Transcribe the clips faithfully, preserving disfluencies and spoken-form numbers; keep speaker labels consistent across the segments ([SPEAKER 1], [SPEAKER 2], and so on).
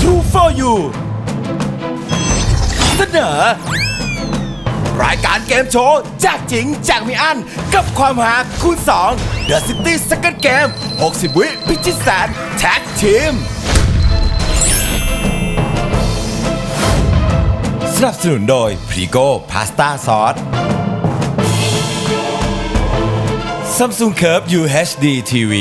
[SPEAKER 1] True for You เสนอรายการเกมโชว์แจกจริงแจกไม่อั้นกับความหาคูณสอง The City Second Game หกสิบ วิพิชิตแสนแท็กทีมสนับสนุนโดยพรีโก้พาสต้าซอส Samsung Curve ยู เอช ดี ที วี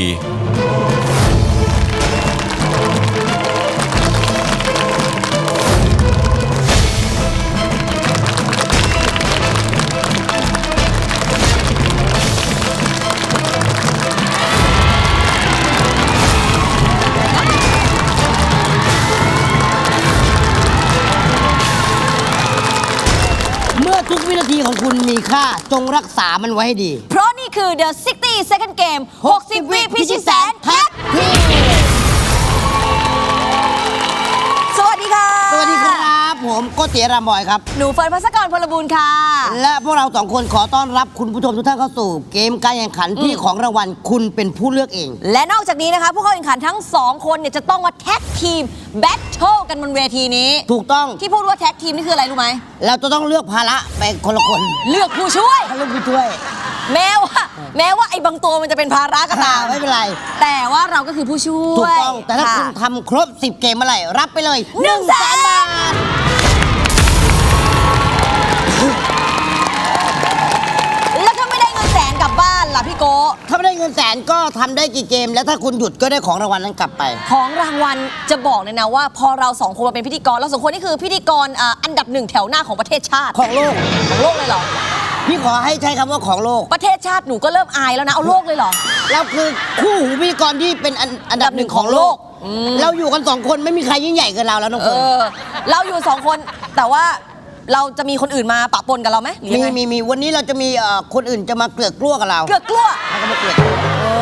[SPEAKER 2] ทุกวินาทีของคุณมีค่าจงรักษามันไว้ให้ดี
[SPEAKER 3] เพราะนี่คือ The ซิกสตี้ Second Game หกสิบ วิพิชิตแสนแท็กทีมสวัสดีค่ะ
[SPEAKER 2] สวัสดีครับผมโกติรามบอยครับ
[SPEAKER 3] หนูเฟิร์นภัสกรพลบูรณ์ค่ะ
[SPEAKER 2] และพวกเราสองคนขอต้อนรับคุณผู้ชมทุกท่านเข้าสู่เกมการแข่งขันที่ของรางวัลคุณเป็นผู้เลือกเอง
[SPEAKER 3] และนอกจากนี้นะคะผู้เข้าแข่งขันทั้งสองคนเนี่ยจะต้องมาแท็กทีมแบทเทิลกันบนเวทีนี้
[SPEAKER 2] ถูกต้อง
[SPEAKER 3] ที่พูดว่าแท็กทีมนี่คืออะไรรู้ไหม
[SPEAKER 2] เราจะต้องเลือกภาระไปคนละคน
[SPEAKER 3] เลือกผู้ช่วย
[SPEAKER 2] เลือกผู้ช่วย
[SPEAKER 3] แม้ว่าแม้ว่าไอ้บางตัวมันจะเป็นภาระก็ตาม
[SPEAKER 2] ไม่เป็นไร
[SPEAKER 3] แต่ว่าเราก็คือผู้ช่วย
[SPEAKER 2] ถูกต้องแต่ถ้าคุณทำครบสิบเกมเมื่อไหร่รับไปเลยหนึ่งแสนบาท
[SPEAKER 3] แล้วถ้าไม่ได้เงินแสนกลับบ้านล่ะพี่โก
[SPEAKER 2] ถ้าไม่ได้เงินแสนก็ทำได้กี่เกมแล้วถ้าคุณหยุดก็ได้ของรางวัลนั้นกลับไป
[SPEAKER 3] ของรางวัลจะบอกเลยนะว่าพอเราสองคนมาเป็นพิธีกรเราสองคนนี่คือพิธีกรอันดับหนึ่งแถวหน้าของประเทศชาติ
[SPEAKER 2] ของโลก
[SPEAKER 3] ของโลกเลยเหรอ
[SPEAKER 2] พี่ขอให้ใช้คำว่าของโลก
[SPEAKER 3] ประเทศชาติหนูก็เริ่มอายแล้วนะเอาโลกเลยเหรอ
[SPEAKER 2] เราคือคู่หูพิธีกรที่เป็นอันดับหนึ่งของโลกเราอยู่กันสองคนไม่มีใครยิ่งใหญ่เกินเราแล้วน้องเฟิร์น
[SPEAKER 3] เราอยู่สองคนแต่ว่าเราจะมีคนอื่นมาปะปนกับเราไหม
[SPEAKER 2] มีมีมีวันนี้เราจะมีคนอื่นจะมาเกลือกกลั้วกับเรา
[SPEAKER 3] เกลือกกลั้ว
[SPEAKER 2] แล้วก็มาเกลือก
[SPEAKER 3] โอ้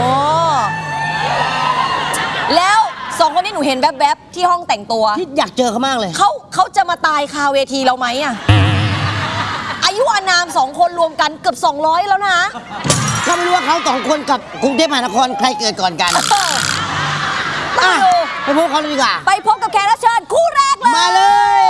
[SPEAKER 3] แล้วสองคนนี้หนูเห็นแวบๆที่ห้องแต่งตัว
[SPEAKER 2] ที่อยากเจอเขามากเลย
[SPEAKER 3] เขาเขาจะมาตายคาเวทีเราไหมอะอายุอานามสองคนรวมกันเกือบสองร้อยแล้วนะ
[SPEAKER 2] ก็ไม่รู้ว่าเขาสองคนกับกรุงเทพมหานครใครเกิดก่อนกันไปพบเขาเลยดีกว่า
[SPEAKER 3] ไปพบกับแขกรับเชิญคู่แรกเลย
[SPEAKER 2] มาเลย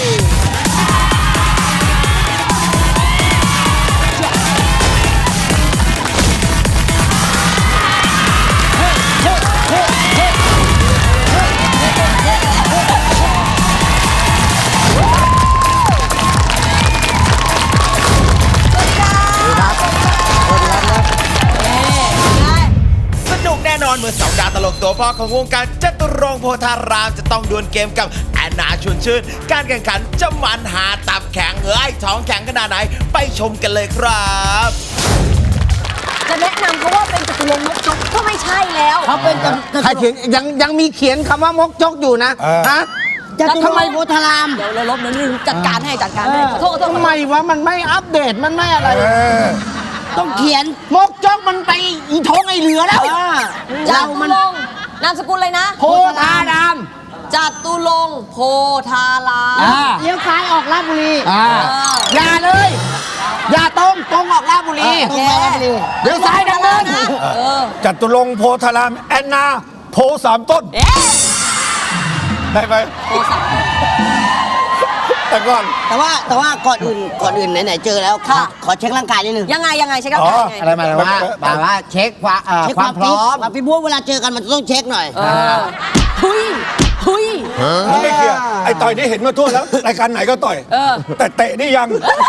[SPEAKER 1] แน่นอนเมื่อสองดาวตลกตัวพ่อของวงการจตุรงค์โพธารามจะต้องดวลเกมกับแอนนาชวนชื่นการแข่งขันจะมันหาตับแข็งเอ้ยท้องแข็งขนาดไหนไปชมกันเลยครับ
[SPEAKER 3] จะแนะนำเขาว่าเป็นจตุรงค์มกจกก็ไม่ใช่แล้ว
[SPEAKER 2] เขาเป็น
[SPEAKER 4] ใครเขียนยังยังมีเขียนคำว่ามกจกอยู่นะฮะ
[SPEAKER 2] จตุรงค์โพธาราม
[SPEAKER 3] เดี๋ยวเราลบนั้นจัดการให้จัดการให้ขอโทษขอโทษ
[SPEAKER 4] ทำไมวะมันไม่อัปเดตมันไม่อะไร
[SPEAKER 2] ต้องเขียน
[SPEAKER 4] มกจกมันไปอีท้องไอเหลือแล้ว
[SPEAKER 3] จตุรงค์นามสกุลเลยนะ
[SPEAKER 4] โพธาราม
[SPEAKER 3] จตุรงค์โพธาราม
[SPEAKER 2] เลี้ยวซ้ายออกราชบุรี
[SPEAKER 4] อย่าเลยอย่าตรงตรงออกราชบุรี
[SPEAKER 2] ตรงไปราชบุรี
[SPEAKER 4] เลี้ยวซ้ายดังนั้น
[SPEAKER 5] จตุรงค์โพธารามแอนนาโพสามต้นได้ไหม
[SPEAKER 3] โพสาม
[SPEAKER 5] แต่ก่อน
[SPEAKER 2] แต่ว่าแต่ว่าก่อนอื่นก่อนอื่นไหนๆเจอแล้วขอเช็คร่างกายนิดนึง
[SPEAKER 3] ยังไงยังไงเช็คร่างกายยังไง
[SPEAKER 4] อะไรมาแล้วว่าแบบว่าเช็คความความพร้อม
[SPEAKER 2] พี่บัวเวลาเจอกันมันจะต้องเช็คหน่อย
[SPEAKER 3] หุยหุย
[SPEAKER 5] ไม่เคลียร์ไอ้ต่อยนี่เห็นมาทั่วแล้วรายการไหนก็ต่อยแต่เตะนี่ยัง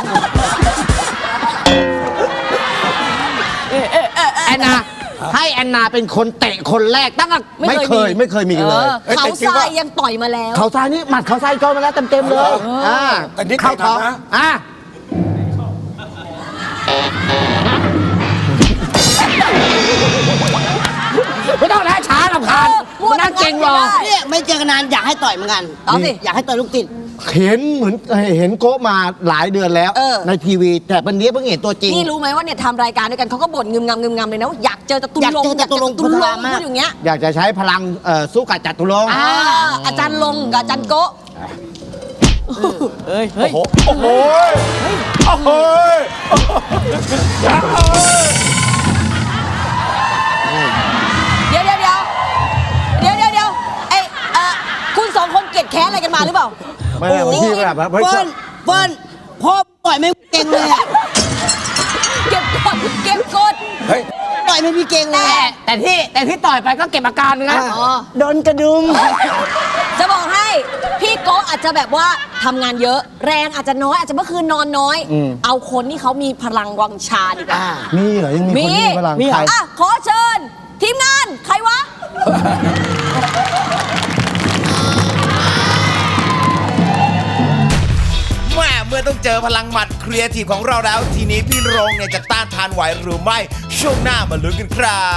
[SPEAKER 4] แอนนาให้แอนนาเป็นคนเตะคนแรกตั้งแต่ไม่เคยไม่เคยมีเลย
[SPEAKER 3] เขาทรายยังต่อยมาแล้ว
[SPEAKER 4] เขาทรายนี่หมัดเขาทรายโจนมาแล้วเต็มๆเลยอ่า
[SPEAKER 5] แต่นี่
[SPEAKER 4] เข้าท้องอ่าไม่ต้องแล้วช้าลำคาญมันน่าเก่งหรอ
[SPEAKER 2] เนี่ยไม่เจอกันนานอยากให้ต่อยเหมือนกัน
[SPEAKER 3] เอาสิ
[SPEAKER 2] อยากให้ต่อยลูกติด
[SPEAKER 4] เห็นเหมือนเห็นโก้มาหลายเดือนแล้วในทีวีแต่วันนี้เพิ่งเห็นตัวจริง
[SPEAKER 3] นี่รู้ไหมว่าเนี่ยทำรายการด้วยกันเขาก็บ่นงึมงำงึมงำเลยนะอยากเจอจตุรงค์
[SPEAKER 2] อยากเจอจตุรงค์พูด
[SPEAKER 3] อย่างเงี้ย
[SPEAKER 4] อยากจะใช้พลังสู้กับจตุรงค์
[SPEAKER 3] อาจารย์ลงกับอาจารย์โก้
[SPEAKER 5] เฮ้ยเฮ้ยโอ้โหโอ้โห
[SPEAKER 3] เดี๋ยวเดี๋ยวเดี๋ยวเดี๋ยวเดี๋ยวเดี๋ยวไอคุณสองคนเกลียดแค้นอะไรกันมาหรือเปล่า
[SPEAKER 4] ไม่ไม่บางทีแบบว่าไม่ช
[SPEAKER 2] เฟิ
[SPEAKER 4] อ
[SPEAKER 2] ร์
[SPEAKER 4] บ
[SPEAKER 2] นเฟิร์นพ่อปล่อยไม่เก่งเลยอะ
[SPEAKER 3] เก็บกดเก็บกด
[SPEAKER 5] เฮ้ย
[SPEAKER 2] ปล่อยไม่มีเก่งเลย
[SPEAKER 4] แต่
[SPEAKER 2] อะ
[SPEAKER 4] แต่ที่แต่ที่ต่อยไปก็เก็บอาการนะ
[SPEAKER 2] อ๋อโดนกระดุม
[SPEAKER 3] จะบอกให้พี่โก้อาจจะแบบว่าทำงานเยอะ แรงอาจจะน้อยอาจจะเมื่อคืนนอนน้อย เอาคนที่เขามีพลังวังชาดีกว่า
[SPEAKER 4] มีเหรอยังมีคนที่มีพลัง
[SPEAKER 2] มีเหรอ
[SPEAKER 4] ใคร
[SPEAKER 3] อ่ะขอเชิญ ทีมงาน ใครวะ
[SPEAKER 1] แม่เมื่อต้องเจอพลังหมัดครีเอทีฟของเราแล้ว ทีนี้พี่โรงเนี่ยจะต้านทานไหวหรือไม่ ช่วงหน้ามาลุ้นกันครับ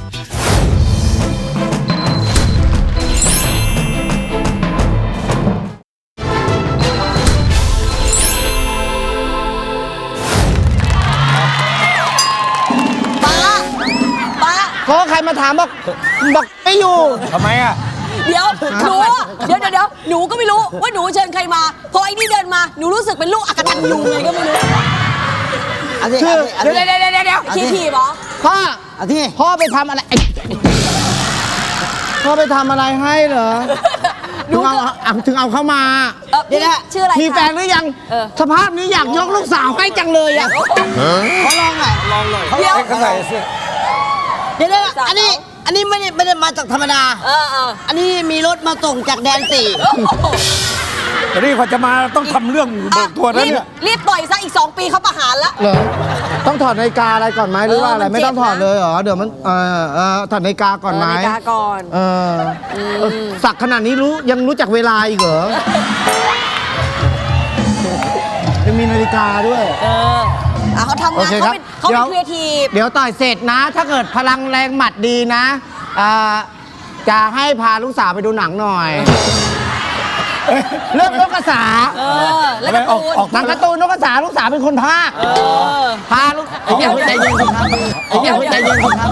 [SPEAKER 3] ป้า ป้า
[SPEAKER 4] ก็ใครมาถามบอกบอกไม่อยู่
[SPEAKER 5] ทำไมอ่ะ
[SPEAKER 3] เดี๋ยว หนูอะเดี๋ยวเดี๋ยวเดี๋ยวหนูก็ไม่รู้ว่าหนูเชิญใครมา พอไอ้นี่เดินมา หนูรู้สึกเป็นลูกอักตันยูไงก็ไม่รู้
[SPEAKER 2] เอาสิ
[SPEAKER 4] คือ
[SPEAKER 2] เอา
[SPEAKER 4] เดี๋ยว
[SPEAKER 2] สิ
[SPEAKER 4] เดี๋ยวเดี๋ยวเดี๋ยวเดี๋ยว
[SPEAKER 3] ขี้ถีบเหรอ
[SPEAKER 4] พ่อ
[SPEAKER 2] เอาที่
[SPEAKER 4] พ่อไปทำอะไรไอ้พ่อไปทำอะไรให้เหรอ
[SPEAKER 3] หนู
[SPEAKER 4] ถึง
[SPEAKER 3] ก็
[SPEAKER 4] เอาเอาถึงเอาเข้ามา
[SPEAKER 3] เออพี่ชื่ออะไร
[SPEAKER 4] มี
[SPEAKER 3] คะ
[SPEAKER 4] แฟนหรือยัง
[SPEAKER 3] เออ
[SPEAKER 4] สภาพนี้อยากยกลูกสาวให้จังเลยอ่ะ
[SPEAKER 2] เขาลองหน่อยลองหน่อย
[SPEAKER 3] เดี๋ยว
[SPEAKER 5] เขาใส่เสื้อ
[SPEAKER 2] เดี๋ยวเดี๋ยวอันนี้อันนี้ไม่ได้ไม่ได้มาจากธรรมดา
[SPEAKER 3] เออเออ
[SPEAKER 2] อันนี้มีรถมาส่งจากแดนสี่
[SPEAKER 5] แต่นี่เขาจะมาต้องทำเรื่องเบิกตัวแล้ว
[SPEAKER 3] รีบ
[SPEAKER 5] เนี่ย
[SPEAKER 3] รีบต่อยซะอีกสองปีเขาประหารละ
[SPEAKER 4] เหรอต้องถอดนาฬิกาอะไรก่อนไหมหรือว่าอะไร
[SPEAKER 3] เออมัน
[SPEAKER 4] ไม่ต้อง
[SPEAKER 3] เจ็บนะ
[SPEAKER 4] ถอดเลยเหรอเดี๋ยวมันเออเออถอดนาฬิกาก่อนไหม
[SPEAKER 3] เนาฬิกาก่อน
[SPEAKER 4] เออเออสักขนาดนี้รู้ยังรู้จักเวลาอีกเหรอยังมีนาฬิกาด้วย
[SPEAKER 3] เอออ่ะเขาทำาน
[SPEAKER 4] โองเค
[SPEAKER 3] เขา
[SPEAKER 4] ครับ
[SPEAKER 3] เป็นเขาเป็นครีเอทีฟ
[SPEAKER 4] เดี๋ยวต่อยเสร็จนะ ถ้าเกิดพลังแรงหมัดดีนะอ่าจะให้พาลูกสาวไปดูหนังหน่อย เรื่องนกกระสา
[SPEAKER 3] เออ แล้วการ์ตูน
[SPEAKER 5] ออก
[SPEAKER 4] หนังการ์ตูนนกกระสาลูกสาวเป็นคนพากย์
[SPEAKER 3] เออ
[SPEAKER 4] พาลูกไอ้เนี่ยใจเย็นสิครับไอ้เนี่ยใจเย็นสิครับ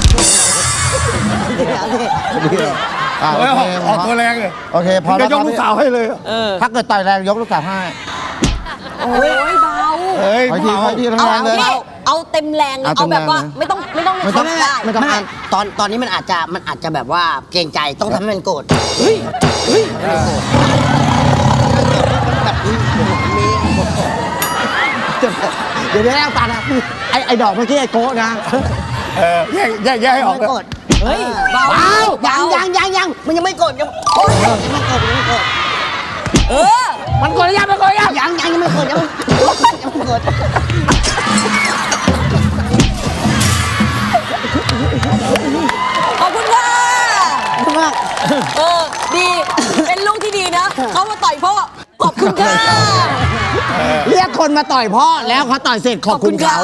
[SPEAKER 4] อ่าโอ
[SPEAKER 5] เฮ้ย
[SPEAKER 4] เค
[SPEAKER 5] ออกออกตัวแรงเลย
[SPEAKER 4] โอเคพอ
[SPEAKER 5] จะ
[SPEAKER 4] แล้ว
[SPEAKER 5] ยกลูกสาวให้เลย
[SPEAKER 4] ถ้าเกิดต่อยแรงยกลูกสาวให้
[SPEAKER 3] โอ้ยเบา
[SPEAKER 5] เฮ้ย
[SPEAKER 4] ขอทีขอที
[SPEAKER 3] เอา
[SPEAKER 4] แรงเลย
[SPEAKER 3] พี่เอาเต็มแรงเลย
[SPEAKER 4] เอาเต็
[SPEAKER 3] เอา
[SPEAKER 4] ม
[SPEAKER 3] แบบว่า
[SPEAKER 4] แรงเลย
[SPEAKER 3] ไม่ต้องไม่ต้อง
[SPEAKER 4] ไม่ต้อง
[SPEAKER 3] ทำได้
[SPEAKER 4] ไม่ต้อง
[SPEAKER 2] ไม่
[SPEAKER 4] อ่าน
[SPEAKER 2] ตอนตอนนี้มันอาจจะมันอาจจะแบบว่าเกรงใจต้องทำให้มันโกรธเฮ้ยเฮ้ยแบบนี้มี
[SPEAKER 4] เดี๋ยวเดี๋ยวเอาตานะไอ้ไอ้ดอกเมื่อกี้ไอ้โก้นะ
[SPEAKER 5] เออแยกแยกแยกให้ออก
[SPEAKER 2] ไม่
[SPEAKER 5] เลย
[SPEAKER 2] โกรธ
[SPEAKER 3] เฮ้ยเบา
[SPEAKER 2] เบายังยังยังยังมันยังไม่โกรธยังโอ๊ยยังไม่โกรธยังไม่โกรธ
[SPEAKER 3] เออ
[SPEAKER 4] มันกดยังมันกดยัง
[SPEAKER 2] ยังยังยังไม่โกรธยังไม่ยังไม่โกรธ
[SPEAKER 3] ขอบคุณค่ะ
[SPEAKER 2] ขอบคุณมาก
[SPEAKER 3] เออ ดี เป็นลูกที่ดีนะ เขามาต่อยพ่อ ขอบคุณค่ะ
[SPEAKER 4] เรียกคนมาต่อยพ่อแล้วเขาต่อยเสร็จขอบคุณเขา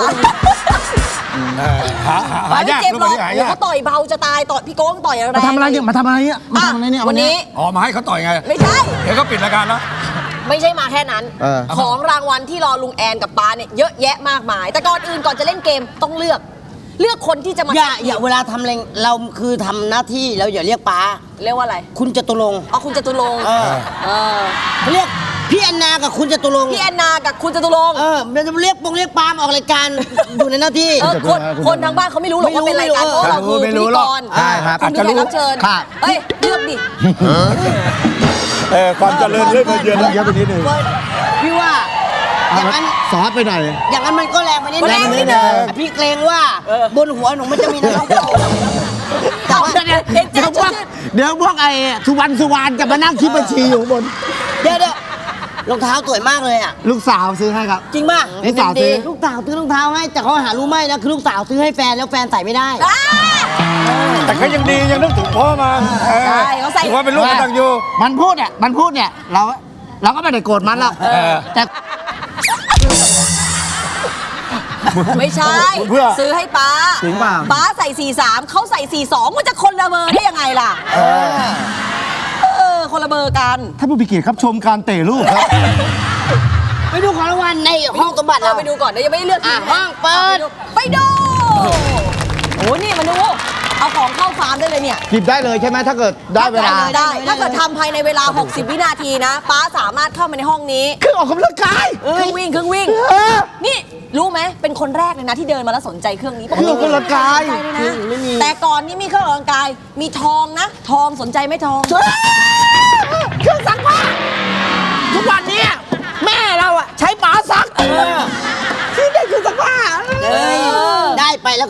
[SPEAKER 5] หาหาหา
[SPEAKER 3] ไม่
[SPEAKER 5] ยาก
[SPEAKER 3] เจ็บ
[SPEAKER 5] ลูก
[SPEAKER 3] หรอก
[SPEAKER 5] นี้หา
[SPEAKER 3] โอ้
[SPEAKER 5] ยาก
[SPEAKER 3] เขาต่อยเบาจะตายต่อยพี่โก้งต่อยอะไร
[SPEAKER 4] มาทำอะไรเนี่ยมาทำอะไรเนี่ยมาทำอะไรเนี่ย
[SPEAKER 3] วันนี้
[SPEAKER 5] อ๋อมาให้เขาต่อยไง
[SPEAKER 3] ไม่ใช่
[SPEAKER 5] เดี๋ยวก็ปิดรายการแล้ว
[SPEAKER 3] ไม่ใช่มาแค่นั้น
[SPEAKER 4] เออ
[SPEAKER 3] ของรางวัลที่รอลุงแอนกับป้าเนี่ยเยอะแยะมากมาย แต่ก่อนอื่นก่อนจะเล่นเกมต้องเลือก เลือกคนที่จะมา
[SPEAKER 2] อย่าอย่าเวลาทำอะไรเราคือทำหน้าที่เราอย่าเรียกป้า
[SPEAKER 3] เรียกว่าอะไร
[SPEAKER 2] คุณจตุรงค์
[SPEAKER 3] เอาคุณจตุรงค์
[SPEAKER 2] เออ
[SPEAKER 3] เออ
[SPEAKER 2] เรียกพี่แอนนากับคุณจตุรงค์
[SPEAKER 3] พี่แอนนากับคุณจตุรงค์
[SPEAKER 2] เออมันจะเรียกปงเรียกปาล์มออกรายการ อยู่ในหน้าที่
[SPEAKER 3] เออคนคนทางบ้านเขาไม่รู้หรอกว่าเป็นรายการเพราะเราคือ
[SPEAKER 5] ไม่
[SPEAKER 3] พิ
[SPEAKER 5] รู้
[SPEAKER 3] ธี
[SPEAKER 5] หร
[SPEAKER 3] ก
[SPEAKER 5] อก
[SPEAKER 3] ร
[SPEAKER 4] ใช่ครับ
[SPEAKER 3] คุณเป็นแขกรับเชิญ
[SPEAKER 4] ครับ
[SPEAKER 3] เฮ้ยเลือกดิ
[SPEAKER 5] เออความเจริญเรื่องเยอะแล้ว
[SPEAKER 4] เยอะไปนิดนึง
[SPEAKER 2] พี่ว่า อย่างนั้น
[SPEAKER 4] ซอสไปหน่อย
[SPEAKER 2] อย่างนั้นมันก็แรงไปนิด
[SPEAKER 3] แรงไปนิดนึง
[SPEAKER 2] พี่เกรงว่าบนหัวหนูมันจะมีน้ำตกแต่ว่า
[SPEAKER 4] เดี๋ยวเดี๋ยวเดี๋ยวพวกเดี๋ยวพวกไอ้สุวรรณสุวรรณจะมานั่งคิดบัญชีอยู่ข้างบน
[SPEAKER 2] เดี๋ยวเดี๋ยวรองเท้าสวยมากเลยอ่ะ
[SPEAKER 4] ลูกสาวซื้อให้ครับ
[SPEAKER 2] จริงป่ะ
[SPEAKER 4] ลูกสาวซื้อ
[SPEAKER 2] ลูกสาวซื้อรองเท้าให้แต่เขาหารู้ไหมนะคือลูกสาวซื้อให้แฟนแล้วแฟนใส่ไม่ได้
[SPEAKER 3] อ่า
[SPEAKER 5] แต่เขายังดียังนึกถึงพ่อมาเออ
[SPEAKER 3] ใช่เขาใส่
[SPEAKER 5] ถือว่าเป็นลูกกตัญญู
[SPEAKER 4] มันพูดเนี่ยมันพูดเนี่ยเราเราก็ไม่ได้โกรธมันหรอก
[SPEAKER 5] เออ
[SPEAKER 4] แต่
[SPEAKER 3] ไม่ใช่
[SPEAKER 5] เพื่อ
[SPEAKER 3] ซื้อให้ป้า
[SPEAKER 4] จริงเปล่า
[SPEAKER 3] ป้าใส่สี่สามเขาใส่สี่สองมันจะคนละเบอร์ได้ยังไงล่ะเออคนละเบอร์กัน
[SPEAKER 4] ถ้าผู้พิเกียรครับชมการเตะลูกครับ
[SPEAKER 2] ไปดูของรางวัลในห้องสมบัติ
[SPEAKER 3] เรา
[SPEAKER 2] เรา
[SPEAKER 3] ไปดูก่อนเดี๋ยวยังไม่ได้เลือก
[SPEAKER 2] อ่ะ
[SPEAKER 3] ทีมนะ
[SPEAKER 2] ห้องเปิด
[SPEAKER 3] ไปดูโอ้นี่มาดูเอาของเข้าฟาร์มได้เลยเนี่ย
[SPEAKER 4] หยิบได้เลยใช่ไหมถ้าเกิดได้เวลา
[SPEAKER 3] ได้ถ้าเกิดทำภายในเวลา หกสิบ วินาทีนะ ป้าสามารถเข้ามาในห้องนี้
[SPEAKER 4] คือออกกำลังกาย
[SPEAKER 3] เครื่องวิ่งเครื่องวิ่ง
[SPEAKER 4] เออ
[SPEAKER 3] นี่รู้ไหมเป็นคนแรกเลยนะที่เดินมาแล้วสนใจเครื่องนี้
[SPEAKER 4] เครื่องออกกำลังกาย
[SPEAKER 3] สนใจเลยนะแต่ก่อนนี่มีเครื่องออกกำลังกาย มีทองนะ ทองสนใจไหมทอง
[SPEAKER 4] เครื่องซักผ้า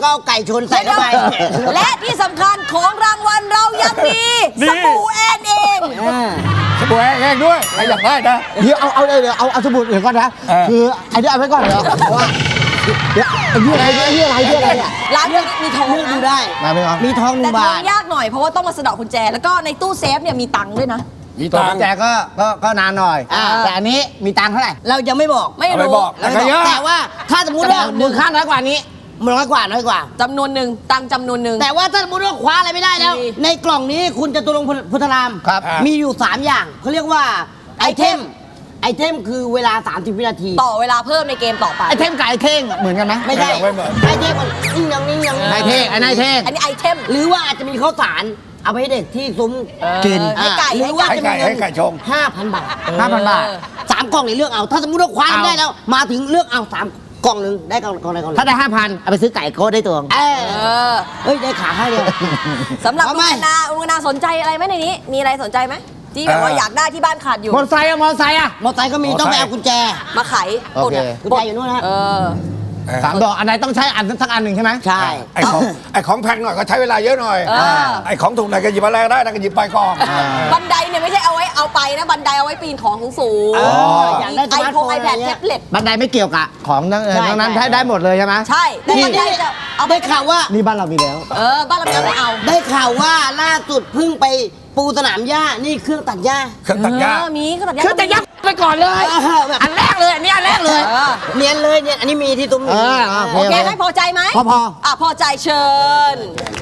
[SPEAKER 2] ก็เอาไก่ชนใส่เข้าไป
[SPEAKER 3] และที่สำคัญของรางวัลเรายังมี
[SPEAKER 5] นี่
[SPEAKER 3] สบู่แอนเอง
[SPEAKER 5] สบู่แห้งๆด้วยใครอยากได้นะ
[SPEAKER 4] เดี๋ยวเอาเอาเดี๋ยวเอาเอาสมุดเดี๋ยวก่อนนะ
[SPEAKER 5] เออ
[SPEAKER 4] คือไอ้นี่เอาไว้ก่อนเหรอเพราะว่าเดี๋ยวไอ้นี่อะไรไอ้นี่อะไรไอ้นี่อะไรเนี่ย
[SPEAKER 3] ร้านนี้มีทอง
[SPEAKER 2] เลือกดู
[SPEAKER 3] นะ
[SPEAKER 2] ได้
[SPEAKER 4] มาไหมครับ
[SPEAKER 2] มีทองหนึ่
[SPEAKER 3] แต่
[SPEAKER 2] ง
[SPEAKER 3] ท
[SPEAKER 2] บา
[SPEAKER 3] อง
[SPEAKER 2] ท
[SPEAKER 3] ยากหน่อยเพราะว่าต้องมาสะเดอกกุญแจ แล้วก็ในตู้เซฟเนี่ยมีตังค์ด้วยนะ
[SPEAKER 5] มี
[SPEAKER 4] ตัว
[SPEAKER 5] ตัง
[SPEAKER 4] กุญ
[SPEAKER 5] ค์
[SPEAKER 4] แจก็ก็ก็นานหน่อย
[SPEAKER 2] อ่า
[SPEAKER 4] แต่อันนี้มีตังค์เท่าไหร่
[SPEAKER 2] เรายังไม่บอก
[SPEAKER 3] ไม่
[SPEAKER 5] เอาไป
[SPEAKER 3] รู้
[SPEAKER 5] บอก
[SPEAKER 2] เรา
[SPEAKER 5] แต่
[SPEAKER 2] ไม่
[SPEAKER 5] ก็
[SPEAKER 2] บอก
[SPEAKER 5] เยอะ
[SPEAKER 2] แต่ว่าถ้าสมมติว่า
[SPEAKER 4] มูลค่าน้อยกว่านี้
[SPEAKER 2] น้อยกว่าน้อยกว่า
[SPEAKER 3] จำนวนหนึ่งตังค์จำนวนหนึ่ง
[SPEAKER 2] แต่ว่าถ้าสมมติว่าคว้าอะไรไม่ได้แล้ว
[SPEAKER 3] ดี
[SPEAKER 2] ในกล่องนี้คุณจตุรงค์พุทธราม
[SPEAKER 4] ครับ
[SPEAKER 2] มีอยู่ 3 อย่างเขาเรียกว่าไอเทมไอเทมคือเวลา สามสิบ วินาที
[SPEAKER 3] ต่อเวลาเพิ่มในเกมต่อไป
[SPEAKER 4] ไอ้เท่งกับไอ้เท่งเหมือนกันไหม
[SPEAKER 2] ไม่ใช่
[SPEAKER 5] ไม่เหมือน
[SPEAKER 2] ไอเทมมันนิ่งยังนิ่งยัง
[SPEAKER 4] นายเท่งไอ้นายเท่ง
[SPEAKER 3] อันนี้ไอเทม
[SPEAKER 2] หรือว่าอาจจะมีข้าวสารเอาไปให้เด็กที่ซุ้ม
[SPEAKER 4] กิน
[SPEAKER 3] ให้ไก่
[SPEAKER 2] หรื
[SPEAKER 3] ให้
[SPEAKER 2] อว่า
[SPEAKER 3] ไก่
[SPEAKER 2] จะมีเงิ
[SPEAKER 5] ให้ไก่ชง
[SPEAKER 2] ห้าพันบาท
[SPEAKER 4] ห้าพันบาท
[SPEAKER 2] สามกล่องนี่เลือกเอา ถ้าสมมติว่าคว้า
[SPEAKER 4] เอา
[SPEAKER 2] ได้แล้ว มาถึงเลือกเอาสามกล่องหนึ่งได้กล่องกล่องไหนกล่องหนึ่ง
[SPEAKER 4] ถ้าได้ห้าพันเอาไปซื้อไก่โก้ได้ตัว
[SPEAKER 2] เออ
[SPEAKER 3] เออ
[SPEAKER 2] เฮ้ยได้ขาให้เลย
[SPEAKER 3] สำหรับ
[SPEAKER 2] เอา
[SPEAKER 3] ลุ
[SPEAKER 2] ไหม
[SPEAKER 3] งนาลุงนาสนใจอะไรไหมในนี้ มีอะไรสนใจไหมที่แบบว่า
[SPEAKER 5] เออ
[SPEAKER 3] อ
[SPEAKER 5] อ
[SPEAKER 3] ยากได้ที่บ้านขาดอยู่
[SPEAKER 4] มอเตอร์ไซค์อะมอเตอร์ไซค์อะ
[SPEAKER 2] มอเตอร์ไซค์ก็มีต้องไปเอากุญแจ
[SPEAKER 3] มาไข
[SPEAKER 4] โอเค
[SPEAKER 2] กุญแจอยู่นู่นนะฮะ
[SPEAKER 3] เออ
[SPEAKER 4] สามดอกอันไหนต้องใช้อันสักอันหนึ่งใช่ไหม
[SPEAKER 2] ใช่
[SPEAKER 5] ไอ้ของไอ้ของแพงหน่อยก็ใช้เวลาเยอะหน่อย
[SPEAKER 3] เออ
[SPEAKER 5] ไอ้ของถูกหน่อยก็หยิบมาแรงได้นะก็หยิบไปก่อน
[SPEAKER 3] บันไดเนี่ยไม่ใช่เอาไว้เอาไปนะบันไดเอาไว้ปีนของสูง
[SPEAKER 2] เอออยากได้
[SPEAKER 3] ไอ
[SPEAKER 2] สมาร์ท
[SPEAKER 3] โฟ
[SPEAKER 2] โฟ
[SPEAKER 3] น
[SPEAKER 2] น
[SPEAKER 3] ไอแพด
[SPEAKER 2] อะไรเงี้
[SPEAKER 3] แท็
[SPEAKER 2] ย
[SPEAKER 3] บเล็ต
[SPEAKER 4] บันไดไม่เกี่ยวกับของทั้งเออ
[SPEAKER 2] ใช่
[SPEAKER 4] ทั้งนั้น
[SPEAKER 2] ใช่
[SPEAKER 4] ได้ได้หมดเลยใช่ไหม
[SPEAKER 3] ใช่แต่บันไดจะเอาไป
[SPEAKER 2] ได้ข่าวว่า
[SPEAKER 4] นี่บ้านเรามีแล้ว
[SPEAKER 3] เออบ้านเราไม่เอา
[SPEAKER 2] ได้ข่าวว่าล่าสุดเพิ่งไปปูสนามหญ้า นี่เครื่องตัดหญ้า
[SPEAKER 5] เครื่องตัดหญ้า
[SPEAKER 3] เออมีก็ตัดหญ้า
[SPEAKER 4] คือจะยักไปก่อนเลย
[SPEAKER 2] เออแบบ
[SPEAKER 4] อันแรกเลยอันนี้อันแรกเลย
[SPEAKER 3] เออ
[SPEAKER 2] เนียนเลยเนี่ย อันนี้มีที่ตุ้ม
[SPEAKER 4] เออ
[SPEAKER 3] โอเคไหมพอใจไหม
[SPEAKER 4] พอพอ
[SPEAKER 3] อ่ะพอใจเชิญ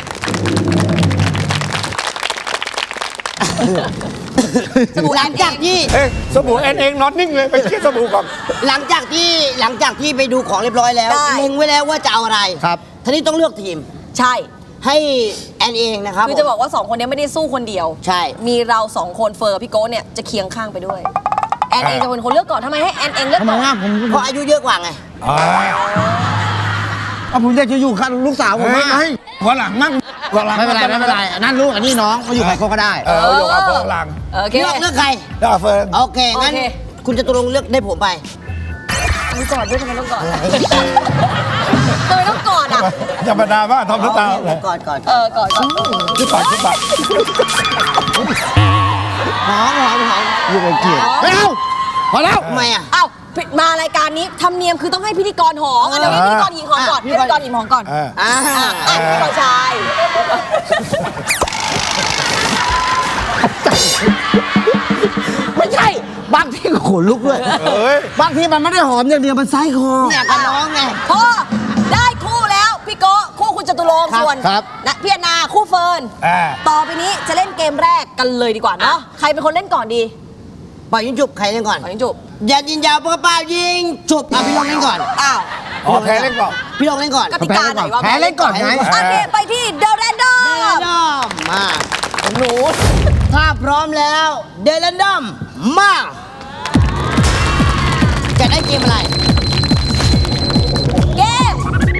[SPEAKER 3] สบู่
[SPEAKER 2] หลังจากที่
[SPEAKER 5] เอ๊ะสบู่แอนเองนอนนิ่งเลยไปเช็ดสบู่ก่อน
[SPEAKER 2] หลังจากที่หลังจากที่ไปดูของเรียบร้อยแล้ว
[SPEAKER 3] ได้
[SPEAKER 2] เล็งไว้แล้วว่าจะเอาอะไร
[SPEAKER 4] ครับ
[SPEAKER 2] ทีนี้ต้องเลือกทีม
[SPEAKER 3] ใช่
[SPEAKER 2] ให้แอนเองนะครับ
[SPEAKER 3] คือจะบอกว่าสองคนนี้ไม่ได้สู้คนเดียว
[SPEAKER 2] ใช่
[SPEAKER 3] มีเราสองคนเฟอร์พี่โก้เนี่ยจะเคียงข้างไปด้วย แอนเองจะเป็นคนเลือกก่อนทำไมให้แอนเองเลือก
[SPEAKER 4] ทำไม
[SPEAKER 3] ก่อน
[SPEAKER 4] อ่ะผม
[SPEAKER 2] เพราะอายุเยอะกว่าไง
[SPEAKER 5] อ่า
[SPEAKER 4] อ่ะผมอยากจะอยู่กับลูกสาวผม
[SPEAKER 5] เฮ้ย
[SPEAKER 4] มาก
[SPEAKER 5] เฮ้ยวันหลังมั่งวันหลัง
[SPEAKER 4] ไม่เป็นไรไม่เป็นไรอันนั่นลูกอันนี้น้องมาอยู่กับเขาก็ได้
[SPEAKER 5] เออเอาอยู่กับเฟิร์นหลัง
[SPEAKER 3] โอเค
[SPEAKER 2] เลือกเลือกใคร
[SPEAKER 5] แล้วเอาเฟิร์น
[SPEAKER 2] โอเค งั้น
[SPEAKER 3] โอเค
[SPEAKER 2] คุณจะตกลงค์เลือกได้ผมไป
[SPEAKER 3] ต้องกอดด้วยทำไมต้องกอดทำไมต้องกอดอ่ะ
[SPEAKER 5] อย่ามาด่าว่าทำน้ำตา
[SPEAKER 2] โอ
[SPEAKER 5] เล
[SPEAKER 2] เค
[SPEAKER 5] ย
[SPEAKER 2] ก่อนก่อน
[SPEAKER 3] เออกอดก่อน
[SPEAKER 5] คิดปัดคิดปัด
[SPEAKER 2] หอมหอมหอม
[SPEAKER 4] อยู่กับเกียรติไม่เอาพอแล้ว
[SPEAKER 2] ทำไมอ่ะ
[SPEAKER 3] อ้าวผิดมารายการนี้ธรรมเนียมคือต้องให้พิธีกรหอมอ่ะเดี๋ยวให้พิธีกรหญิงหอมก่อน
[SPEAKER 2] อ่ะ
[SPEAKER 3] พิธีกรหญิงหอมก่อน
[SPEAKER 5] เออ
[SPEAKER 2] อ่า
[SPEAKER 3] อ่ะอ่ะพิธีกรชาย
[SPEAKER 4] ไม่ใช่ บางทีก็ขนลุกด้วย
[SPEAKER 5] เอ้ย
[SPEAKER 4] บางทีมันไม่ได้หอมอย่างเดียวมันไส้คอ
[SPEAKER 2] เนี่ยกับน้องไง
[SPEAKER 3] พอได้คู่แล้วพี่โก้คู่คุณจตุรงค์
[SPEAKER 4] ครับ
[SPEAKER 3] ส่วน
[SPEAKER 4] ครับ
[SPEAKER 3] นะพี่แอนนาคู่เฟิร์น
[SPEAKER 5] อ่า
[SPEAKER 3] ต่อไปนี้จะเล่นเกมแรกกันเลยดีกว่าเนาะใครเป็นคนเล่นก่อนดี
[SPEAKER 2] ปล่อยยิงจุบใครเล่นก่อน
[SPEAKER 3] ขอยิงจุบ
[SPEAKER 2] อย่ายิงยาวเปล่าเปล่ายิงจุบอ่ะพี่ลองเล่นก่อน
[SPEAKER 3] อ้าว
[SPEAKER 5] อ๋อแพ้เล่นก่อน
[SPEAKER 2] พี่ลองเล่นก่อน
[SPEAKER 3] กติกาไหนวะ
[SPEAKER 4] แพ้เล่นก่อนไง
[SPEAKER 3] โอเคไปที่เดอะแรนดอ
[SPEAKER 2] เดล
[SPEAKER 3] ม
[SPEAKER 2] นดอมมาหนูถ้าพร้อมแล้วเดลนดอมมาจะได้เกมอะไร
[SPEAKER 3] เกม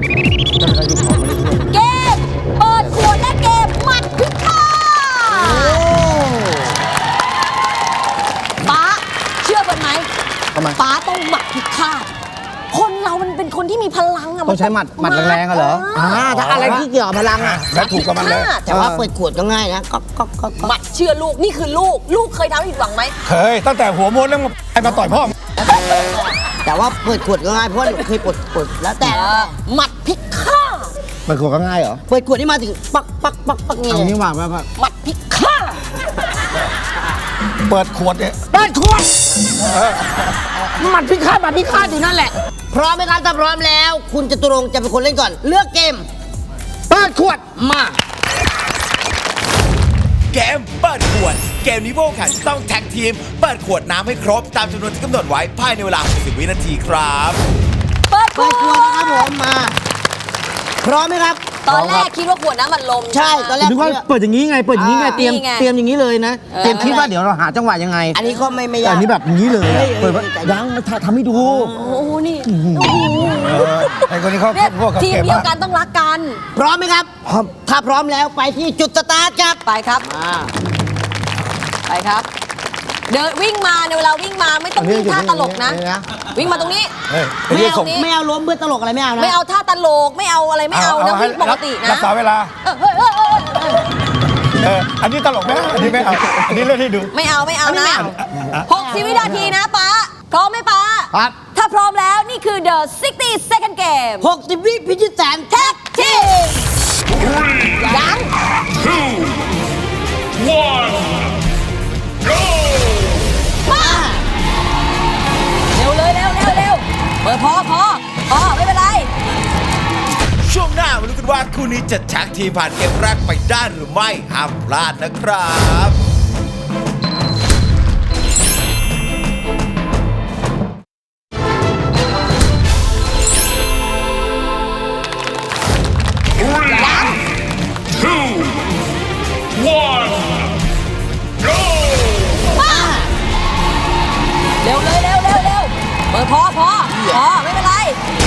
[SPEAKER 3] เกม เปิดขวดและเกมหมัดพิฆาตป๊าเชื่อเป็นไหม
[SPEAKER 4] ทำไม
[SPEAKER 3] ป๊าต้องหมัดพิฆาตคนเรามันเป็นคนที่มีพลังอะ
[SPEAKER 4] ต้องใช้หมัดหมัดแรงๆอะเหรออ่าถ้าอะไรที่เกี่ยวกับพลังอ่ะ
[SPEAKER 5] และถูกกับมันเลย
[SPEAKER 2] แต่ว่าเปิดขวดก็ง่ายนะก็ก็ก็ก็
[SPEAKER 3] หมัดเชื่อลูกนี่คือลูก ลูกเคยทำให้ผิดหวังไหม
[SPEAKER 5] เคยตั้งแต่หัวม้วนแล้วมาไอ้มาต่อยพ่อ
[SPEAKER 2] แต่ว่าเปิดขวดก็ง่ายเพราะว่าหนูเคยปลดปลดแล้วแต่
[SPEAKER 3] หมัดพิฆาต
[SPEAKER 4] มันขวดก็ง่ายเหรอ
[SPEAKER 2] เปิดขวดนี่มาถึงปักปักปักปัก
[SPEAKER 4] เอา
[SPEAKER 2] เงี้
[SPEAKER 4] งี้
[SPEAKER 2] ย
[SPEAKER 4] ว่าแบบว่า
[SPEAKER 3] หมัดพิฆาต
[SPEAKER 5] เปิดขวดเนี่ย
[SPEAKER 4] เปิดขวดหมัดพิฆาตหมัดพิฆาตอยู่นั่นแหละ
[SPEAKER 2] พร้อมไหมครับถ้าพร้อมแล้ว คุณจตุรงค์จะเป็นคนเล่นก่อน เลือกเกม
[SPEAKER 4] เปิดขวด
[SPEAKER 2] มา
[SPEAKER 1] เกมเปิดขวด เกมนี้พวกแข่งจะต้องแท็กทีม เปิดขวดน้ำให้ครบตามจำนวนที่กำหนดไว้ภายในเวลา หกสิบ วินาทีครับ
[SPEAKER 3] เปิดข
[SPEAKER 2] เปิ
[SPEAKER 3] ว
[SPEAKER 2] ดขวดนะครับผมมา พร้อมไหมครับ
[SPEAKER 3] ตอนแรกคิดว่าขวดน้ำมันลม
[SPEAKER 2] ใช่ตอนแรก
[SPEAKER 4] นึกว่าเปิดอย่างนี้ไง เปิดอย่างนี้ไง
[SPEAKER 2] อ่า
[SPEAKER 4] เตรียม
[SPEAKER 3] นี่ไง
[SPEAKER 4] เตรียมอย่างนี้เลยนะ
[SPEAKER 3] เออ
[SPEAKER 4] เตรียมคิดว่าเดี๋ยวเราหาจังหวะยังไง
[SPEAKER 2] อันนี้ก็ไม่ไม่
[SPEAKER 4] แต่
[SPEAKER 2] ยาก
[SPEAKER 4] อันนี้แบบอย่างนี้เลย
[SPEAKER 2] เฮ้
[SPEAKER 4] อะ
[SPEAKER 2] ย
[SPEAKER 4] เปิดว่า
[SPEAKER 2] เฮ้ย
[SPEAKER 4] ยังไม่ทำให้ดู
[SPEAKER 3] โอ้โหนี่โอ้โห
[SPEAKER 5] เออไอ้คนนี้เขา
[SPEAKER 3] เนี่ย
[SPEAKER 5] พวกเขา
[SPEAKER 3] ทีม
[SPEAKER 5] เก็บ
[SPEAKER 3] เดียว
[SPEAKER 5] มาก
[SPEAKER 3] กันต้องรักกัน
[SPEAKER 2] พร้อมไหมครับ
[SPEAKER 4] พร้อม
[SPEAKER 2] ถ้าพร้อมแล้วไปที่จุดสตาร์ทครับ
[SPEAKER 3] ไปครับ
[SPEAKER 2] มา
[SPEAKER 3] ไปครับ เดินวิ่งมาในเวลาวิ่งมาไม่ต้องวิ่งท่าตลกนะ
[SPEAKER 4] นี่นะ
[SPEAKER 3] วิ่งมาตรงนี้
[SPEAKER 5] เฮ้ยไอ้
[SPEAKER 2] ไม่
[SPEAKER 5] นี่
[SPEAKER 2] เอา
[SPEAKER 5] ส่ง
[SPEAKER 2] ไม่เอาล้มเพื่อตลกอะไรไม่เอานะ
[SPEAKER 3] ไม่เอาท่าตลกไม่เอาอะไรไม่เอานะ
[SPEAKER 5] ให้
[SPEAKER 3] วิ่งปกตินะ
[SPEAKER 5] รักษาเวลา
[SPEAKER 3] เออเออเออเออเออ
[SPEAKER 5] เอออันนี้ตลกไหมอันนี้ไม่เอาอันนี้เล่นให้ดู
[SPEAKER 3] ไม่เอาไม่เอา
[SPEAKER 2] อันนี้
[SPEAKER 3] นะ
[SPEAKER 2] ไม่เอา
[SPEAKER 3] หกสิบวินาทีนะป๊าพร้อมไหมป๊า
[SPEAKER 4] ครับ
[SPEAKER 3] ถ้าพร้อมแล้วนี่คือ the sixty second game
[SPEAKER 2] หกสิบวิพิชิตแสน
[SPEAKER 3] แท็กทีมยัง มา เร็วเลยเร็วเร็วเร็วเปิดพอพอพอไม่เป็นไร
[SPEAKER 1] ช่วงหน้ามาดูกันว่าคู่นี้จะแท็กทีมผ่านเกมแรกไปได้หรือไม่ห้ามพลาดนะครับ
[SPEAKER 3] เร็วเลยเร็วเร็วเร็วเปิดพอพอพอไม่เป็นไร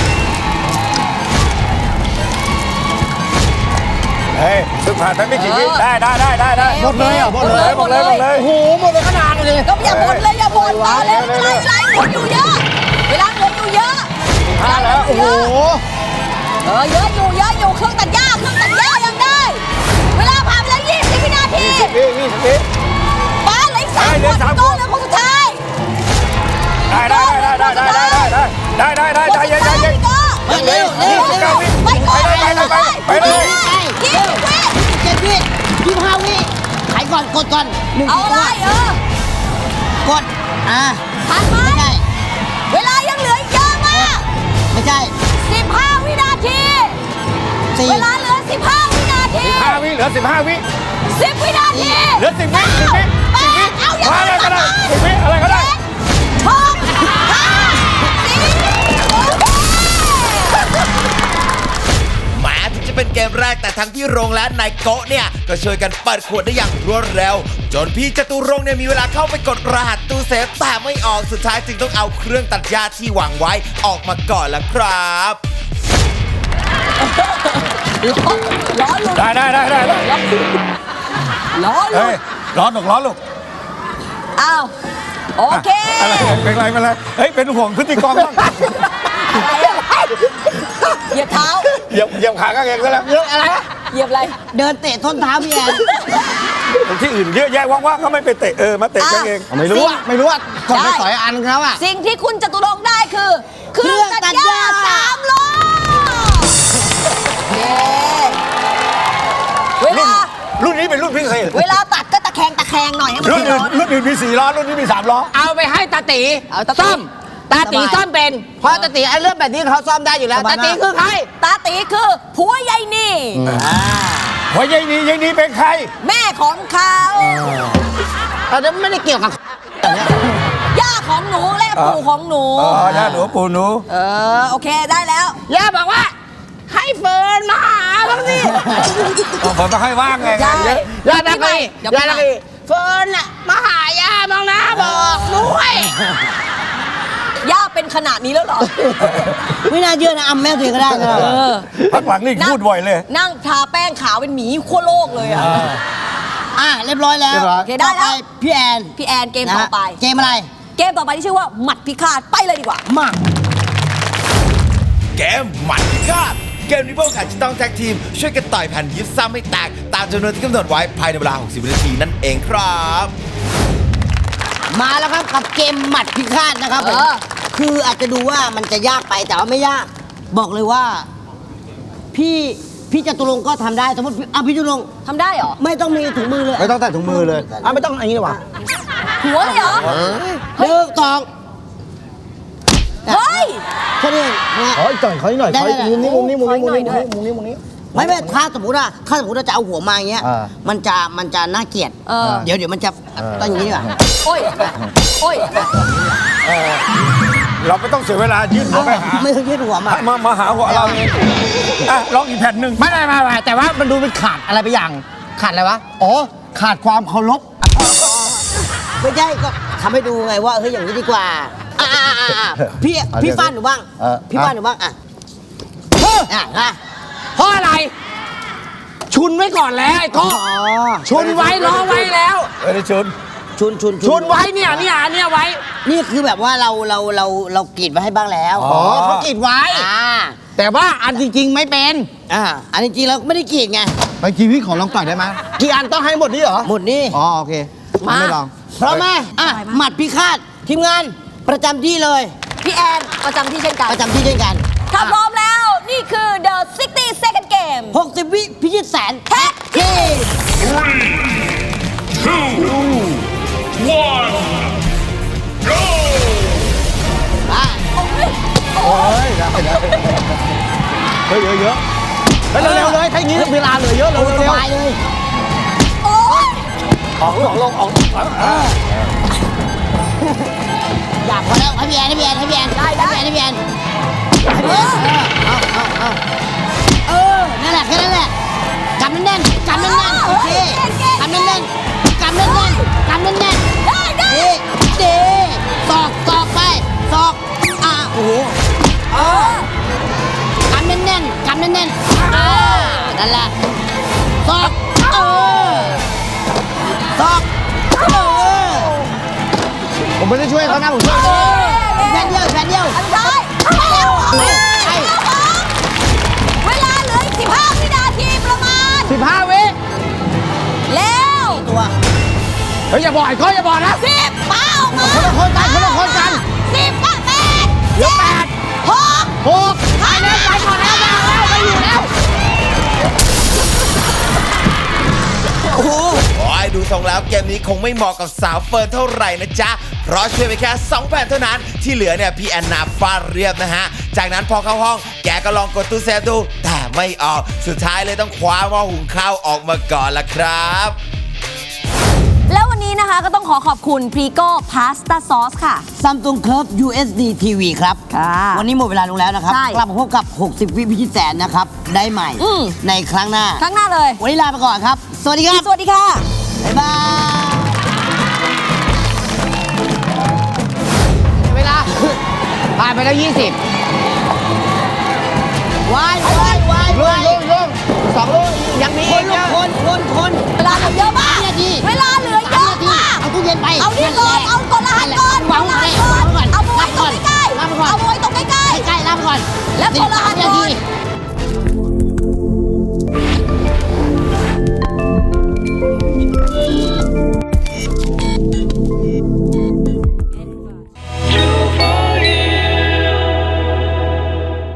[SPEAKER 5] เฮ้ยซึ่งผ่านไปไม่กี่วิ
[SPEAKER 3] เออ
[SPEAKER 5] ได้ได้ได้ได้ได้
[SPEAKER 3] หมดเลยเหรอ
[SPEAKER 5] หมดเลยหมดเลยหมดเลย
[SPEAKER 4] โอ้โหหมดเลยขนาดเลย
[SPEAKER 3] ก็อย่าบ่นเลยอย่าบ่นต่อเร็วเวลาเวลาเหลืออยู่เยอะเวลาเหลืออยู่เยอะเวลาเหลืออยู่เยอะเออเยอะอยู่เยอะอยู่เครื่องตัดหญ้าเครื่องตัดหญ้ายังได้ เวลาผ่านไปแล้วยี่สิบวินาที
[SPEAKER 5] ยี่สิบวิยี่สิบวิ
[SPEAKER 3] ป้าเหลืออีกสาม
[SPEAKER 5] ได้เหลื
[SPEAKER 3] ค
[SPEAKER 5] อน สาม
[SPEAKER 3] ก็
[SPEAKER 5] คน
[SPEAKER 3] เหลือคนสุดท้าย
[SPEAKER 5] ได้ได้ได้ได้ได้ได้ได้ได้ได้ได้ได้ใจเย็นใจเย็น
[SPEAKER 3] ไปเร็วเร็วเร็วไปก่อน
[SPEAKER 5] ไปเลยไปเลยไปเลย
[SPEAKER 3] ยี่สิบวิ
[SPEAKER 2] เจ็ดวิยี่สิบห้าวิขายก่อนกดก่อนหนึ่ง
[SPEAKER 3] เอาอะไรเออก
[SPEAKER 2] ดอ่า
[SPEAKER 3] ผ่านไหม
[SPEAKER 2] ไม่ใช่
[SPEAKER 3] เวลายังเหลืออีกเยอะมาก
[SPEAKER 2] ไม่ใช่
[SPEAKER 3] สิบห้าวินาที
[SPEAKER 2] สี่
[SPEAKER 3] เวลาเหลือสิบห้าวินาที
[SPEAKER 5] สิบห้าวิเหลือสิบห้าวิ
[SPEAKER 3] สิบวินาที
[SPEAKER 5] เหลือสิบวิสิบวิ
[SPEAKER 3] แปดเอาอย่าง
[SPEAKER 5] มาอะไรก็ได้สิบวิอะไรก็ได้
[SPEAKER 3] หกห้าสี่โอเค
[SPEAKER 1] แม้ถึงจะเป็นเกมแรกแต่ทั้งพี่โรงและนายโกะเนี่ย ก็ช่วยกันเปิดขวดได้อย่างรวดเร็ว จนพี่จตุรงค์เนี่ยมีเวลาเข้าไปกดรหัสตู้เซฟแต่ไม่ออกสุดท้ายจึงต้องเอาเครื่องตัดหญ้าที่วางไว้ออกมาก่อนละครับ
[SPEAKER 3] ล้อหลุด
[SPEAKER 5] ได้ได้ได้ได้
[SPEAKER 3] ล้อหลุ
[SPEAKER 5] เฮ้ย
[SPEAKER 3] ด
[SPEAKER 5] ร้อนหนกร้อนลูก
[SPEAKER 3] อ้าวโอเค
[SPEAKER 5] อะไรเป็นไรเป็นไรเฮ้ยเป็นห่วงพฤติกรรมบ้าง
[SPEAKER 3] เหยียบเท้า
[SPEAKER 5] เหยียบเหยียบขาข้างเองซะแล้ว
[SPEAKER 2] เยอะอะไร
[SPEAKER 3] เหยียบอะไร
[SPEAKER 2] เดินเตะส้นเท้าพี่แอน
[SPEAKER 5] ที่อื่นเยอะแยะว่างๆก็ไม่ไปเตะเออมาเตะข้างเอง
[SPEAKER 4] ไม่รู้อ่ะไม่รู้อ่ะกดไปต่อยอันเขาอ่ะ
[SPEAKER 3] สิ่งที่คุณจตุรงค์ได้คือ เครื่องตัดหญ้าสามล้อเย้เวลา
[SPEAKER 5] รุ่นนี้เป็นรุ่นพิเศษ
[SPEAKER 3] เวลาตัดก็ตะแคงตะแคงหน่อยให้มัน
[SPEAKER 5] รุ่น
[SPEAKER 3] ไม่
[SPEAKER 5] อื่น
[SPEAKER 3] ร้อน
[SPEAKER 5] รุ่นอื่นมีสี่ล้อรุ่นนี้มีสามล้อ
[SPEAKER 4] เอาไปให้ตาตี
[SPEAKER 3] เอาตาตี
[SPEAKER 4] ซ่อมตาตีซ่อมเป็นเพราะตาตีไอ้เรื่องแบบนี้เขาซ่อมได้อยู่แล้วตาตีคือใคร
[SPEAKER 3] ตาตีคือผัวยายนี่
[SPEAKER 5] หัวยายนี้ยายนี้เป็นใคร
[SPEAKER 3] แม่ของเขา
[SPEAKER 4] เราจะไม่ได้เกี่ยวกับ
[SPEAKER 3] ย่าของหนูและปู่ของหนู
[SPEAKER 5] อ๋อย่าหนูปู่หนู
[SPEAKER 3] เออโอเคได้แล้ว
[SPEAKER 4] ย่าบอกว่า ให้เฟิร์นมาหาบ้างสิ
[SPEAKER 5] ผมต้องให้ว่างไง
[SPEAKER 3] ใช่
[SPEAKER 5] เยอะ
[SPEAKER 4] ย่าตะกี
[SPEAKER 3] เดี๋ยว
[SPEAKER 4] ย่า
[SPEAKER 3] พี่
[SPEAKER 4] ตะ
[SPEAKER 3] ใหม่
[SPEAKER 4] กีเฟิร์นอ่ะมาหาย่าบ้างนะบอกด้วย
[SPEAKER 3] ย่าเป็นขนาดนี้แล้วเหรอ
[SPEAKER 2] ไม่น่าเชื่อนะอำแม่ตัวเองก็ได้นะ
[SPEAKER 3] เออ
[SPEAKER 5] พักหลังนี่พูดบ่อยเลย
[SPEAKER 3] นั่งทาแป้งขาวเป็นหมีขั้วโลกเลยอ่ะ
[SPEAKER 2] อ่ะเรียบร้อยแล้ว
[SPEAKER 4] เรียบร้อย
[SPEAKER 3] โอเคได้แล้ว
[SPEAKER 2] ต่อปพี่แอน
[SPEAKER 3] พี่แอนเกมต่อไป
[SPEAKER 2] นะเกมอะไร
[SPEAKER 3] เกมต่อไปที่ชื่อว่าหมัดพิฆาตไปเลยดีกว่า
[SPEAKER 2] มา
[SPEAKER 1] เกมหมัดพิฆาตเกมนี้พวกอาจจะต้องแท็กทีม ช่วยกันต่อยแผ่นยิบซ้ำให้แตก ตามจำนวนที่กำหนดไว้ภายในเวลา หกสิบ วินาทีนั่นเองครับ
[SPEAKER 2] มาแล้วครับกับเกมหมัดพิฆาตนะครับผม
[SPEAKER 3] เออ
[SPEAKER 2] คืออาจจะดูว่ามันจะยากไปแต่ว่าไม่ยาก บอกเลยว่า พี่พี่จตุรงค์ก็ทำได้สมมติอ่ะพี่จตุรงค์
[SPEAKER 3] ทำได้เหรอ
[SPEAKER 2] ไม่ต้องมีถุงมือเลย
[SPEAKER 4] ไม่ต้องใส่ถุงมือเลยอ่ะไม่ต้องอันนี้หรอวะ
[SPEAKER 3] หัวเลยเหรอ
[SPEAKER 2] หนึ่งสอง
[SPEAKER 3] เฮ้ย
[SPEAKER 2] แค่นี้เองนะ
[SPEAKER 4] ขออีกหน่อยขออีกหน่อย
[SPEAKER 2] ได้
[SPEAKER 4] ขออีก
[SPEAKER 2] ได้
[SPEAKER 4] มุมนี้มุมนี้มุมนี้มุมนี้
[SPEAKER 3] ขออีกหน่อย
[SPEAKER 4] มุมนี้มุมนี้
[SPEAKER 2] ไม่ไม่ถ้าสมมติว่าถ้าสมมติว่าจะเอาหัวมาอย่างเงี้ย
[SPEAKER 4] อ่า
[SPEAKER 2] มันจะมันจะน่าเกลียด
[SPEAKER 3] เออ
[SPEAKER 2] เดี๋ยวเดี๋ยวมันจะต้องอย่างนี้ดีกว่า
[SPEAKER 3] โอ้ยโอ้ย
[SPEAKER 5] เราไม่ต้องเสียเวลายื่นหัวไปหา
[SPEAKER 2] ไม่ต้องยืดหัวมา
[SPEAKER 5] มามาหาหัวเราเองอ่ะลองอีกแผ่นหนึ่ง
[SPEAKER 4] ไม่ไม่ไม่ไม่แต่ว่ามันดูเป็นขาดอะไรไปอย่าง ขาดอะไรวะอ๋อขาดความเคารพ
[SPEAKER 2] ไม่ใช่ก็ทำให้ดูไงว่าเฮ้ยอย่างนี้ดีกว่าอ่ะอ่ะอ่ะอ่ะพี่
[SPEAKER 4] เอาเดี๋ยว
[SPEAKER 2] พี่ฟ้านหนูบ้าง
[SPEAKER 4] เออ
[SPEAKER 2] พี่ฟ้านหนูบ้างอ่ะ
[SPEAKER 4] เฮ้ย
[SPEAKER 2] อ่ะอ่ะ
[SPEAKER 4] เพราะอะไร ชุนไว้ก่อนแล้วไอ้โก็
[SPEAKER 2] อ๋อ
[SPEAKER 4] ชุนไว้ล้อไว้แล้ว
[SPEAKER 5] เออได้ชน
[SPEAKER 2] ชุนชุน
[SPEAKER 4] ชุนไว้เนี่ยเนี่ยเนี่ยไว้
[SPEAKER 2] นี่คือแบบว่าเราเราเราเรากรีดไว้ให้บ้างแล้ว
[SPEAKER 4] อ๋อเขากรีดไว้
[SPEAKER 2] อ่า
[SPEAKER 4] แต่ว่าอันจริง ๆ ไม่เป็น
[SPEAKER 2] อ่าอันนี้จริงๆเราไม่ได้กรีดไง
[SPEAKER 4] ไปกีพี่ขอลองต่อยได้ไหมกี่อันต้องให้หมดนี่เหรอ
[SPEAKER 2] หมดนี่
[SPEAKER 4] อ๋อโอเค
[SPEAKER 2] มา
[SPEAKER 4] ไม่ลอง
[SPEAKER 2] พร้อมไหมอ่ะหมัดพิฆาตทีมงานประจำที่เลย
[SPEAKER 3] พี่แอนประจำที่เช่นกัน
[SPEAKER 2] ประจำที่เช่นกัน
[SPEAKER 3] ถ้าพร้อมแล้วนี่คือ The หกสิบ second game
[SPEAKER 2] หกสิบวิพิชิตแสน
[SPEAKER 3] แท็ก
[SPEAKER 2] ทีม
[SPEAKER 4] โอ้ยได้ได้เฮ้ยเยอะเยอะเฮ้ยเร็วๆเลยถ้าอย่างนี้เวลาเหลือเยอะเลย
[SPEAKER 2] ส
[SPEAKER 4] เร็ว
[SPEAKER 2] บายเลย
[SPEAKER 3] โอ้ย
[SPEAKER 4] ออกลงออกลงออก
[SPEAKER 2] อยากพอแล้วให้พี่แอนให้พี่แอนให้พี่แอน
[SPEAKER 3] ได้ได้
[SPEAKER 2] ให้พี่แอนให้พี่แอนให้พี่แอนเอาเอาเอาเออนั่นแหละแค่นั้นแหละกำแน่นๆกำแน่นๆโอเคกำแน่นๆกำแน่นๆกำแน่นๆ
[SPEAKER 3] ได้ได้
[SPEAKER 2] ดีดีตอกตอกไปตอกอ่ะโอ้โห
[SPEAKER 3] เออก
[SPEAKER 2] ำแน่นๆกำแน่นๆอ่านั่นแหละตอกเออตอกเออ
[SPEAKER 4] ผมไม่ได้ช่วยเขานะผมช่วย
[SPEAKER 2] แผ่นเดียวแผ่นเดียว
[SPEAKER 3] อันได้ไปแล้ว
[SPEAKER 2] ไปไป
[SPEAKER 3] เวลาเหลืออีกสิบห้าวินาทีประมาณ
[SPEAKER 4] สิบห้าวิ
[SPEAKER 3] แล้ว
[SPEAKER 2] ตัว
[SPEAKER 4] เฮ้ยอย่าบอกไอ้ก้อยอย่าบอกนะ
[SPEAKER 3] สิบป้าออกมา
[SPEAKER 4] คนละคนกันคนละคนกัน
[SPEAKER 3] สิบก็แปด
[SPEAKER 4] เหลือแปด
[SPEAKER 3] หก
[SPEAKER 4] หกไปแล้วไปก่อนแล้วไม่เอาแล้วไม่อยู่แล้ว
[SPEAKER 2] โอ้โห
[SPEAKER 1] โอ้ยดูทรงแล้วเกมนี้คงไม่เหมาะกับสาวเฟิร์นเท่าไหร่นะจ๊ะ เพราะช่วยไปแค่สองแผ่นเท่านั้น ที่เหลือเนี่ยพี่แอนนาฟาดเรียบนะฮะ จากนั้นพอเข้าห้องแกก็ลองกดตู้เซฟดู แต่ไม่ออก สุดท้ายเลยต้องคว้าหม้อหุงข้าวออกมาก่อนละครับ
[SPEAKER 3] แล้ววันนี้นะคะก็ต้องขอขอบคุณพรีโก้พาสต้าซอสค่ะ
[SPEAKER 2] ซัมซุงเคิร์ฟ ยู เอส ดี ที วี ครับ
[SPEAKER 3] ค่ะ
[SPEAKER 2] วันนี้หมดเวลาลงแล้วนะครับ
[SPEAKER 3] ใช่
[SPEAKER 2] กลับมาพบกับ หกสิบ วิพิชิตแสนนะครับ ได้ใหม่
[SPEAKER 3] อืม
[SPEAKER 2] ในครั้งหน้า
[SPEAKER 3] ครั้งหน้าเลย
[SPEAKER 2] วันนี้ลาไปก่อนครับ สวัสดีครับ
[SPEAKER 3] สวัสดีค่ะ
[SPEAKER 2] บ๊ายบาย
[SPEAKER 4] เวลาผ่านไปแล้วยี่สิบ
[SPEAKER 2] วายวายวาย
[SPEAKER 4] ลุ
[SPEAKER 2] วาง ย
[SPEAKER 4] ลุงลุงสองลุงยังมี
[SPEAKER 2] ค
[SPEAKER 4] อี
[SPEAKER 2] น
[SPEAKER 4] ก
[SPEAKER 2] ลู
[SPEAKER 4] เย
[SPEAKER 2] ก
[SPEAKER 4] อะ
[SPEAKER 2] คนคนคน
[SPEAKER 3] เวลาเหลือเยอะมาก
[SPEAKER 2] สามนาที
[SPEAKER 3] เวลาเหลือเยอะมาก
[SPEAKER 2] เอาตู้เย็นไป
[SPEAKER 3] เอานี่ก่อน เอากดรหัสก่อน
[SPEAKER 2] วางไว้
[SPEAKER 3] เอารหัสก่อน เอา
[SPEAKER 2] วาง
[SPEAKER 3] ไว้
[SPEAKER 2] ไว้
[SPEAKER 3] ตรงใกล้ๆ
[SPEAKER 2] วางไว้ก่อน
[SPEAKER 3] เอาไว้ตรงใกล้
[SPEAKER 2] ใกล้ๆลาไปก่อน
[SPEAKER 3] แล้วกดรหัส
[SPEAKER 2] สิบสามนาที
[SPEAKER 3] ก่อน